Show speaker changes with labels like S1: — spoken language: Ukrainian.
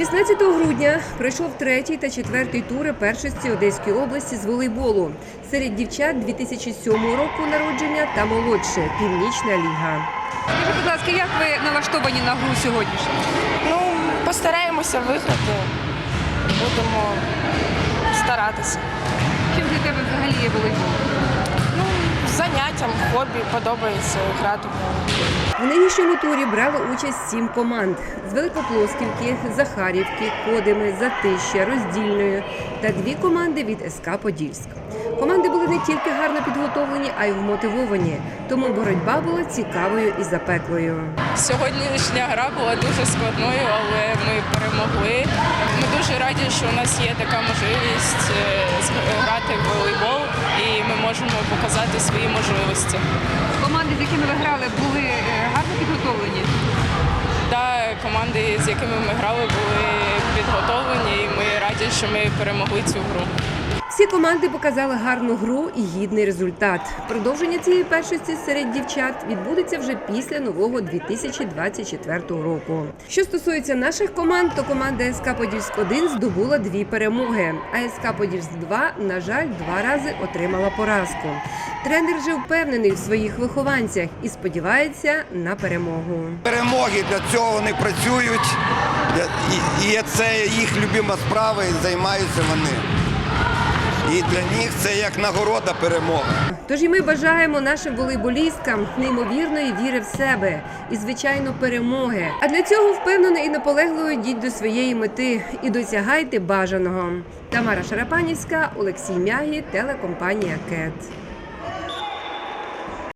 S1: 16 грудня пройшов третій та четвертий тури першості Одеської області з волейболу серед дівчат 2007 року народження та молодше – Північна ліга.
S2: Скажіть, будь ласка, як ви налаштовані на гру сьогоднішню?
S3: Постараємося виграти, будемо старатися.
S2: Чим для тебе взагалі є волейбол?
S3: Заняттям, хобі, подобається грати в волейбол.
S1: В нинішньому турі брали участь 7 команд – з Великоплосківки, Захарівки, Кодими, Затища, Роздільної та 2 команди від СК «Подільськ». Команди були не тільки гарно підготовлені, а й вмотивовані, тому боротьба була цікавою і запеклою.
S4: Сьогоднішня гра була дуже складною, але ми перемогли. Ми дуже раді, що у нас є така можливість грати в волейбол і ми можемо показати свої можливості.
S2: Команди, з якими ви грали, були гарно підготовлені?
S4: Так, команди, з якими ми грали, були підготовлені і ми раді, що ми перемогли цю гру.
S1: Всі команди показали гарну гру і гідний результат. Продовження цієї першості серед дівчат відбудеться вже після нового 2024 року. Що стосується наших команд, то команда СК «Подільськ-1» здобула 2 перемоги, а СК «Подільськ-2», на жаль, 2 рази отримала поразку. Тренер вже впевнений в своїх вихованцях і сподівається на перемогу.
S5: Перемоги, для цього вони працюють, і це їх любима справа, і займаються вони. І для них це як нагорода перемоги.
S1: Тож і ми бажаємо нашим волейболісткам неймовірної віри в себе і, звичайно, перемоги. А для цього впевнено і наполегливо йдіть до своєї мети і досягайте бажаного. Тамара Шарапанівська, Олексій Мягі, телекомпанія «КЕТ».